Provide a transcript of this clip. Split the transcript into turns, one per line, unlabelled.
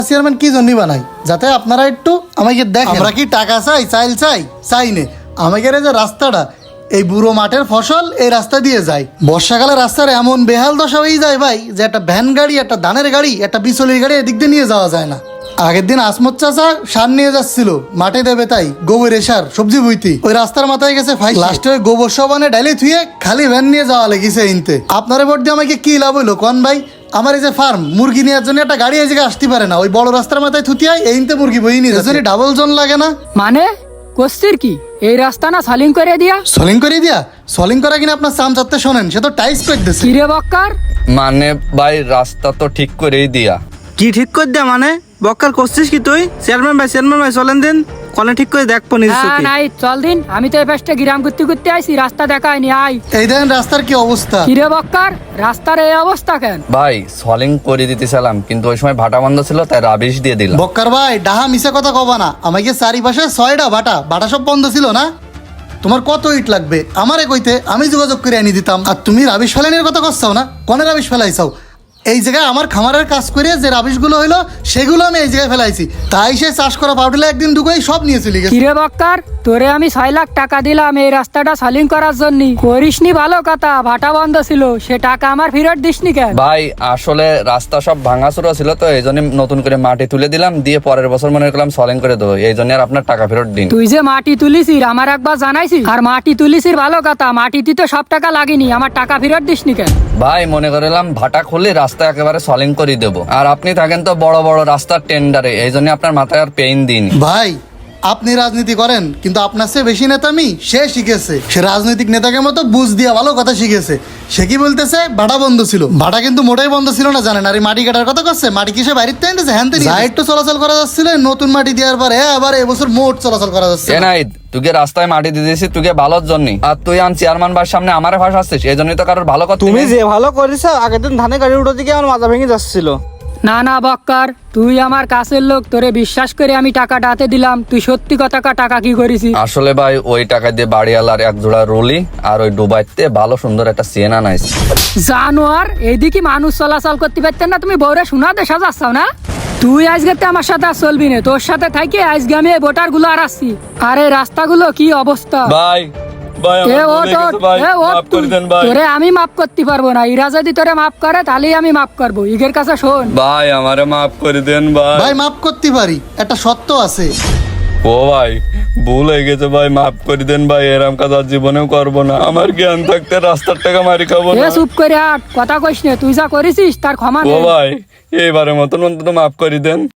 Chairman কি জন্য বানাই যাতে আপনারা একটু আমাকে দেখেন আমরা কি টাকা চাই চাইল চাই নে আমাকে যে রাস্তাটা এই বুড়ো মাঠের ফসল এই রাস্তা দিয়ে যায় বর্ষাকালে রাস্তার এমন বেহাল দশা হয়ে যায় ভাই যে একটা ভ্যান গাড়ি একটা ধানের গাড়ি একটা বিচলির গাড়ি এদিক দিয়ে নিয়ে যাওয়া যায় না। আগের দিন আসমত চাচা সার নিয়ে যাচ্ছিল মাঠে দেবে তাই গোবরের সার সবজি বইতি ওই রাস্তার মাথায় গেছে ফাই লাস্টে ওই গোবর সবানে ডাইলে থুয়ে খালি ভ্যান নিয়ে যাওয়া লেগেছে ইনতে। আপনারা ভোট দিয়ে আমাকে কি লাভ হইলো কোন ভাই? আমার এই যে ফার্ম মুরগি নেওয়ার জন্য একটা গাড়ি এই জায়গায় আসতে পারে না, ওই বড় রাস্তার মাথায় থুতিয়াই এইতে মুরগি বই নিয়ে যাচ্ছে, ডাবল জন লাগে না
মানে কোস্তির কি এই রাস্তা না সলিং করে দিয়া?
সলিং করা কিনা আপনার চাম চাতে শোনেন, সে তো টাইস করে দিচ্ছে।
কিরে বক্কার,
মানে ভাই রাস্তা তো ঠিক করেই দিয়া।
কি ঠিক করে দেয়া মানে? বক্কার করছিস কি তুই? চেয়ারম্যান ভাই চলেন দিন কনে ঠিক করে দেখবো নিজে
হ্যাঁ
চোখে।
নাই চল দিন, আমি তো এই পাশটা গ্রাম করতে আইছি, রাস্তা দেখায়নি। আই
এই দেখেন রাস্তার কি অবস্থা।
কিরে বক্কার, রাস্তার এই অবস্থা কেন?
ভাই সলিং করে দিতেছিলাম কিন্তু ওই সময় ভাটা বন্ধ ছিল তাই রাবিশ দিয়ে দিলাম।
বক্কার ভাই ডাহা মিশা কথা কবা না, আমাকে চারিপাশে 6টা বাটা সব বন্ধ ছিল না। তোমার কত ইট লাগবে আমারে কইতে, আমি যোগাযোগ করে আনি দিতাম। আর তুমি রাবিশ ফেলানির কথা করছাও না, কনে রাবিশ ফেলাইছাও? এই জায়গায় আমার খামারের কাজ করে যে রাবিশগুলো হইলো সেগুলো আমি এই জায়গায় ফেলাইছি, তাই সে চাষ করা পাউডারে একদিন দুগোই সব নিয়ে চলে গেছে।
কিরে বক্কার, তোরে আমি 6 লাখ টাকা দিলাম এই রাস্তাটা সলিং করার জন্য, করিসনি ভালো কথা, ভাটা বন্ধ ছিল, সে টাকা আমার ফেরত দিসনি কেন?
ভাই আসলে রাস্তা সব ভাঙাচোরা ছিল তো এই জন্য নতুন করে মাটি তুলে দিলাম, দিয়ে পরের বছর মনে করলাম সলিং করে দেবো, এই জন্য আর আপনার টাকা ফেরত দিন।
তুই যে মাটি তুলিসির আমার একবার জানাইছিস, আর মাটি তুলিসির ভালো কথা, মাটিতে তো সব টাকা লাগেনি, আমার টাকা ফেরত দিসনি কেন?
ভাই মনে করলাম ভাটা খুললে রাস্তা একেবারে সলিং করে দেবো, আর আপনি থাকেন তো বড় বড় রাস্তার টেন্ডারে, এই জন্য আপনার মাথায় আর পেইন দিন।
ভাই আপনি রাজনীতি করেন কিন্তু আপনার চেয়ে বেশি নেতা আমি সে শিখেছে, সে রাজনৈতিক নেতাকে মতো বুঝ দিয়া ভালো কথা শিখেছে। সে কি বলতেছে ভাটা বন্ধ ছিল, ভাটা কিন্তু মোটেই বন্ধ ছিল না জানেন। আর এই মাটি কাটার কথা করছে, মাটি কিসে বাইরে আনতেছে হ্যান থেকে একটু চলাচল করা যাচ্ছিল, নতুন মাটি দেওয়ার পরে আবার এবছর মোট চলাচল করা যাচ্ছে।
নাই তুই রাস্তায় মাটি দিয়ে দিয়েছিস তুই ভালোর জন্য, আর তুই আন চেয়ারম্যান বার সামনে আমার ভাষা আসছিস, এই জন্যই তো কারোর ভালো কথা।
তুমি যে ভালো করেছ, আগের দিন ধানের গাড়ি উঠে দিকে আমার মাথা ভেঙে যাচ্ছিল।
না বক্কার, তুই আমার কাছের লোক, তোরে বিশ্বাস করে আমি টাকাটা হাতে দিলাম, তুই সত্যি কথা টাকা কি করেছিস?
আসলে ভাই ওই টাকা দিয়ে বাড়িওয়ালার এক জোড়া রুলি আর ওই ডুবাইতে ভালো সুন্দর একটা চেন আনাইছে।
জানোয়ার, এইদিকে মানুষ চলাচল করতে পারতেন না, তুমি বউরে শোনা দেশা যাচ্ছাও না? তুই আজকে আমার সাথে আর চলবি না, তোর সাথে থাকি আজকে আমি এই ভোটার গুলো আর আসছি। আর এই রাস্তাগুলো কি অবস্থা
ভাই
তোরে আমি মাফ করতে পারবো না, ইরা যদি তোরে মাফ করে তাহলেই আমি মাফ করবো। ইগের কাছে শোন
ভাই আমারে মাফ করে দেন ভাই।
ভাই মাফ করতে পারি, একটা সত্য আছে।
ও ভাই ভুল হয়ে গেছে ভাই, মাফ করে দেন ভাই, এরম কাজ আর জীবনেও করবো না, আমার জ্ঞান থাকতে রাস্তার টাকা মারি খাবো না।
চুপ করে আট, কথা কইস না, তুই যা করেছিস তার ক্ষমা
ও
নেই।
ভাই এবারে মতন অন্তত মাফ করে দেন।